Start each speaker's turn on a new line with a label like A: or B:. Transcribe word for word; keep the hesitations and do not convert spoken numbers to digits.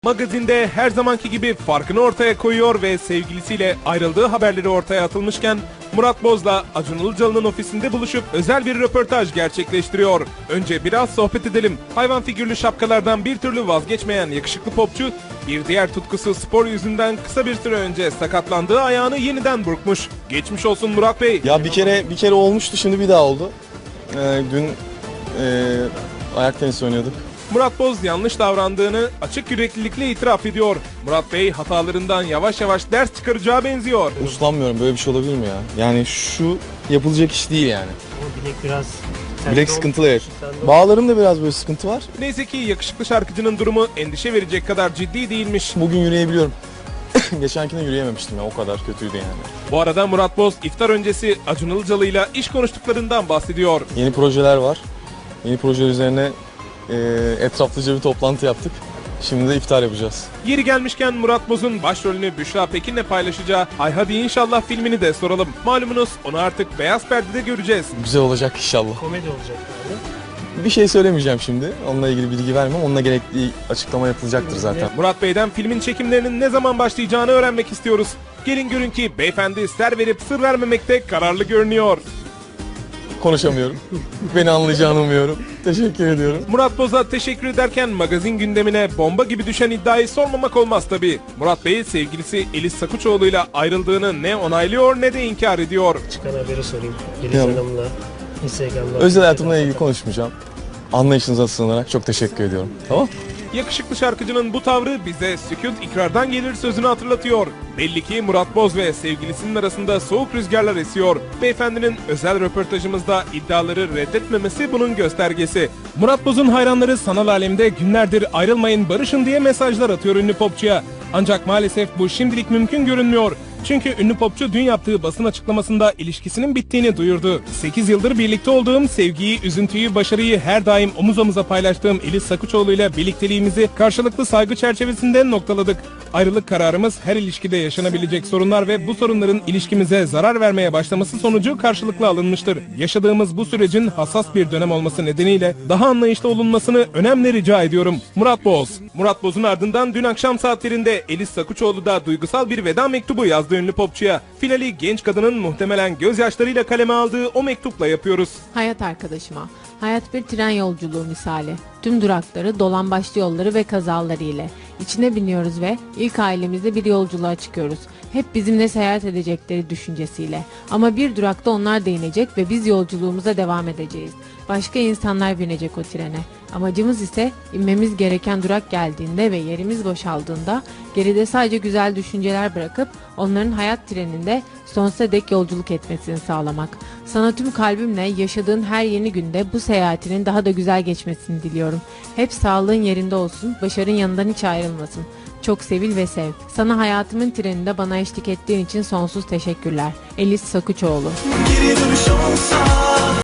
A: Magazinde her zamanki gibi farkını ortaya koyuyor ve sevgilisiyle ayrıldığı haberleri ortaya atılmışken Murat Boz'la Acun Ilıcalı'nın ofisinde buluşup özel bir röportaj gerçekleştiriyor. Önce biraz sohbet edelim. Hayvan figürlü şapkalardan bir türlü vazgeçmeyen yakışıklı popçu, bir diğer tutkusu spor yüzünden kısa bir süre önce sakatlandığı ayağını yeniden burkmuş. Geçmiş olsun Murat Bey.
B: Ya bir kere bir kere olmuştu, şimdi bir daha oldu. Ee, dün e, ayak tenisi oynuyorduk.
A: Murat Boz yanlış davrandığını açık yüreklilikle itiraf ediyor. Murat Bey hatalarından yavaş yavaş ders çıkaracağı benziyor.
B: Uslanmıyorum, böyle bir şey olabilir mi ya? Yani şu yapılacak iş değil yani.
C: Ama bilek biraz...
B: Bilek sıkıntılı, evet. Bağlarımda biraz böyle sıkıntı var.
A: Neyse ki yakışıklı şarkıcının durumu endişe verecek kadar ciddi değilmiş.
B: Bugün yürüyebiliyorum. Geçenkinde yürüyememiştim ya, o kadar kötüydü yani.
A: Bu arada Murat Boz iftar öncesi Acun Ilıcalı'yla iş konuştuklarından bahsediyor.
B: Yeni projeler var. Yeni projeler üzerine e, etraflıca bir toplantı yaptık. Şimdi de iftar yapacağız.
A: Yeri gelmişken Murat Boz'un başrolünü Büşra Pekin'le paylaşacağı Ay Hadi İnşallah filmini de soralım. Malumunuz onu artık beyaz perdede göreceğiz.
B: Güzel olacak inşallah.
C: Komedi olacak yani.
B: Bir şey söylemeyeceğim şimdi. Onunla ilgili bilgi vermem. Onunla gerekli açıklama yapılacaktır zaten.
A: Murat Bey'den filmin çekimlerinin ne zaman başlayacağını öğrenmek istiyoruz. Gelin görün ki beyefendi ser verip sır vermemekte kararlı görünüyor.
B: Konuşamıyorum. Beni anlayacağını umuyorum. Teşekkür ediyorum.
A: Murat Boz'a teşekkür ederken magazin gündemine bomba gibi düşen iddiayı sormamak olmaz tabii. Murat Bey sevgilisi Elis Sakuçoğlu'yla ayrıldığını ne onaylıyor ne de inkar ediyor.
C: Çıkan haberi sorayım. Elis
B: Ya.
C: Hanım'la Instagram'da...
B: Özel hayatımla ilgili konuşmayacağım. Anlayışınıza sığınarak çok teşekkür ediyorum. Tamam?
A: Yakışıklı şarkıcının bu tavrı bize sükût ikrardan gelir sözünü hatırlatıyor. Belli ki Murat Boz ve sevgilisinin arasında soğuk rüzgarlar esiyor. Beyefendinin özel röportajımızda iddiaları reddetmemesi bunun göstergesi. Murat Boz'un hayranları sanal alemde günlerdir ayrılmayın barışın diye mesajlar atıyor ünlü popçuya. Ancak maalesef bu şimdilik mümkün görünmüyor. Çünkü ünlü popçu dün yaptığı basın açıklamasında ilişkisinin bittiğini duyurdu. sekiz yıldır birlikte olduğum, sevgiyi, üzüntüyü, başarıyı her daim omuz omuza paylaştığım Elis Sakuçoğlu ile birlikteliğimizi karşılıklı saygı çerçevesinde noktaladık. Ayrılık kararımız her ilişkide yaşanabilecek sorunlar ve bu sorunların ilişkimize zarar vermeye başlaması sonucu karşılıklı alınmıştır. Yaşadığımız bu sürecin hassas bir dönem olması nedeniyle daha anlayışlı olunmasını önemli rica ediyorum. Murat Boz. Murat Boz'un ardından dün akşam saatlerinde Elis Sakuçoğlu da duygusal bir veda mektubu yazdı ünlü popçuya. Finali genç kadının muhtemelen gözyaşlarıyla kaleme aldığı o mektupla yapıyoruz.
D: Hayat arkadaşıma, hayat bir tren yolculuğu misali. Tüm durakları, dolambaçlı yolları ve kazaları ile. İçine biniyoruz ve ilk ailemizle bir yolculuğa çıkıyoruz. Hep bizimle seyahat edecekleri düşüncesiyle. Ama bir durakta onlar da inecek ve biz yolculuğumuza devam edeceğiz. Başka insanlar binecek o trene. Amacımız ise inmemiz gereken durak geldiğinde ve yerimiz boşaldığında geride sadece güzel düşünceler bırakıp onların hayat treninde sonsuza dek yolculuk etmesini sağlamak. Sana tüm kalbimle yaşadığın her yeni günde bu seyahatinin daha da güzel geçmesini diliyorum. Hep sağlığın yerinde olsun, başarın yanından hiç ayrılmasın. Çok sevil ve sev. Sana hayatımın treninde bana eşlik ettiğin için sonsuz teşekkürler. Elis Sakuçoğlu.
E: Geri dönüş olsa